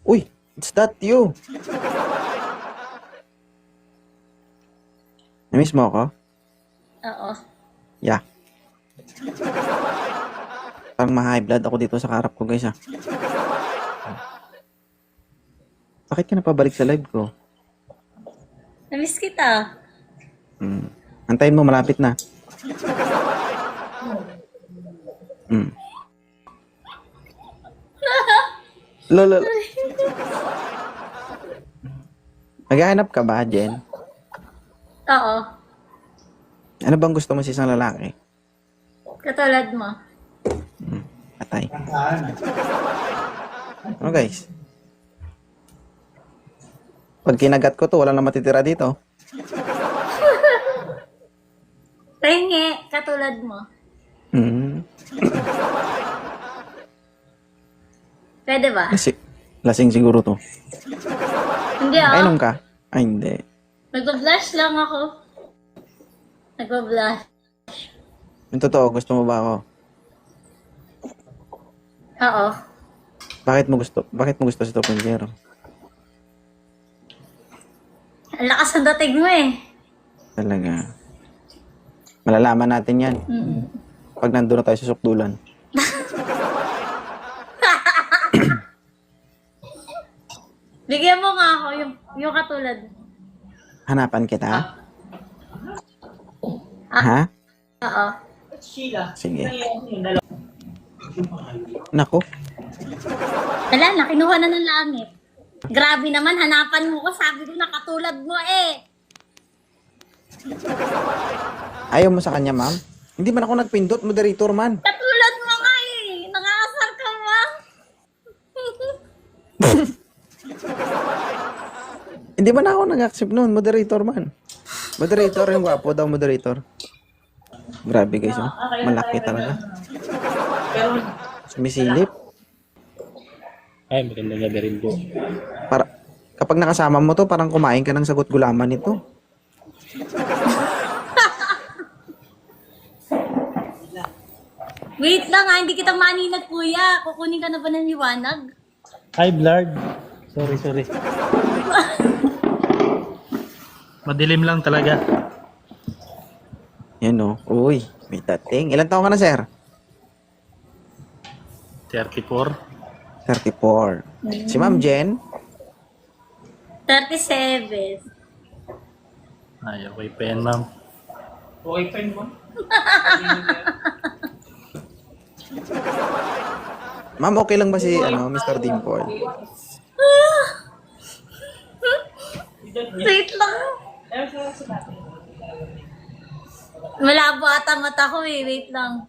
Uy, it's that you. Namiss mo ako? Oo. Yeah. Parang ma-high blood ako dito sa karap ko, guys, ah. Bakit ka napabalik sa live ko? Namiss kita. Antayin mo, malapit na. Lolo. Naghahanap ka ba, Jen? Oo. Ano bang gusto mo sa isang lalaki? Katulad mo. Patay. Ano, guys? Pag kinagat ko to, wala na matitira dito. Tingi, katulad mo. Pwede ba? Lasing siguro to. Hindi Ay, ah. inom ka? Ay, hindi. Nag-blush lang ako. Nag-blush. Yung totoo, gusto mo ba ako? Oo. Bakit mo gusto si 2.0? Ang lakas ng dating mo eh. Talaga. Malalaman natin yan. Pag nandun na tayo sa sukdulan. Bigyan mo nga ako yung katulad. Hanapan kita? Ha? Oo. Sige. Nako. Wala na, kinuha na ng langit. Grabe naman, hanapan mo ko. Sabi ko na katulad mo eh. Ayaw mo sa kanya, ma'am? Hindi man ako nagpindot, moderator man. Katulad mo nga eh. Nangasar ka ba? Hindi man ako nag-accept noon, moderator man. Moderator, yung gwapo daw, moderator. Grabe guys, oh. Malaki talaga. Sumisilip. Ay, magandang gabi rin po. Kapag nakasama mo to, parang kumain ka ng sagot gulaman nito. Wait lang ha, hindi kita maninag kuya. Kukunin ka na ba ng liwanag? Hi, Blard. Sorry. Madilim lang talaga. Yan oh. Uy, may dating. Ilan taon ka na, sir? 34. 34. Si Ma'am Jen? 37. Ay, okay pa yan, ma'am. Ma'am, okay lang ba si Mr. Dimple? Wait lang. Malabo ata mata ko eh. Wait lang.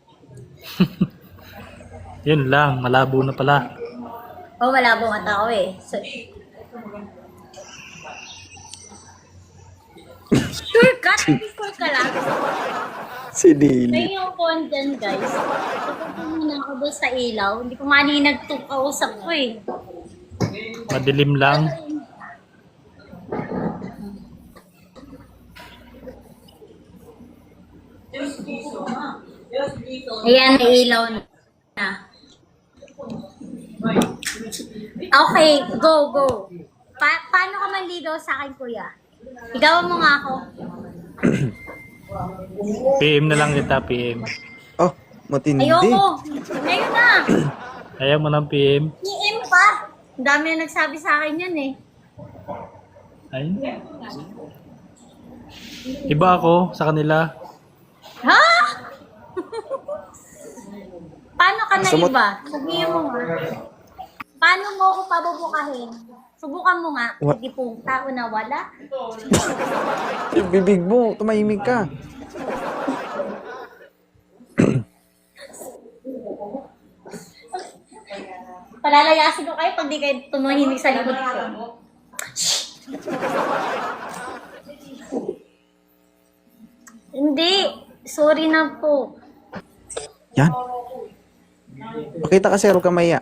Yun lang, malabo na pala. Oh, malabo mata ko eh. So, shortcut? Before ka lang. Si Dili. May yung phone dyan, guys. Tapos muna ako doon sa ilaw. Hindi ko maninag to kausap ko eh. Madilim lang. Ayan, may ilaw na. Okay, go. Paano ka manligaw sa akin, kuya? Igawan mo nga ako. PM na lang kita, PM. Oh, matindi. Ayoko. Ngayon na. Ayaw mo ng PM? PM pa. Ang dami na nagsabi sa akin yan eh. Ay. Iba ako sa kanila. Ha? Paano ka na Gusto mo- iba? Sabihin mo nga. Paano mo ako pabubukahin? Subukan mo nga. What? Hindi po tao na wala. Yung bibig mo, tumahimik ka. Palalayasin ko kayo pag di kayo tumahimik sa likod ko. Hindi. Sorry na po. Yan. Pakita ka, sir, huwag ka maya.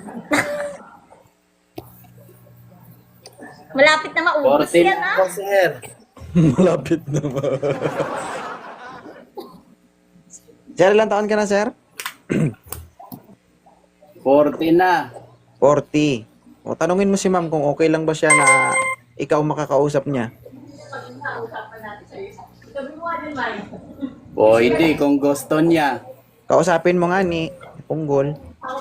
Malapit na maubos yan ah. Malapit na ba? Sir, ilang taon ka na, sir? 40 na. 40. O, tanungin mo si ma'am kung okay lang ba siya na ikaw makakausap niya. Pwede kung gusto niya. Kausapin mo nga ni Punggol.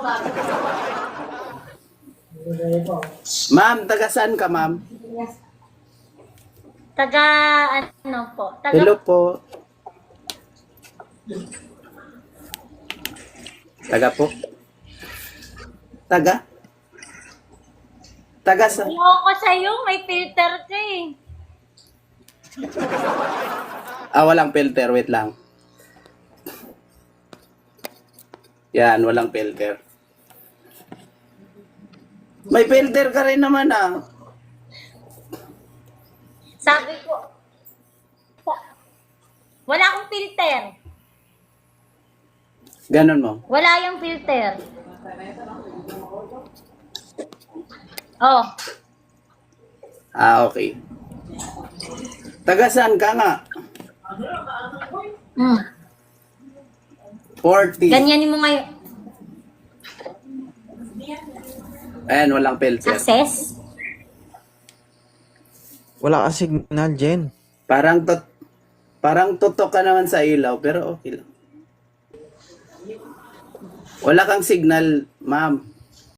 Ma'am, taga saan ka, ma'am? Taga, ano po? Taga, Hello po. Taga po. Taga? Taga sa... ayoko sa'yo, may filter ka eh. Walang filter. Wait lang. Yan, walang filter. May filter ka rin naman ah. Sabi ko, wala akong filter. Ganon mo. Wala yung filter. Oh, Okay. Taga saan ka nga? mm. 40. Ganyanin mo ngayon. Ayan, walang filter. Access? Wala ka signal, Jen. Parang tutok ka naman sa ilaw, pero okay lang. Wala kang signal, ma'am.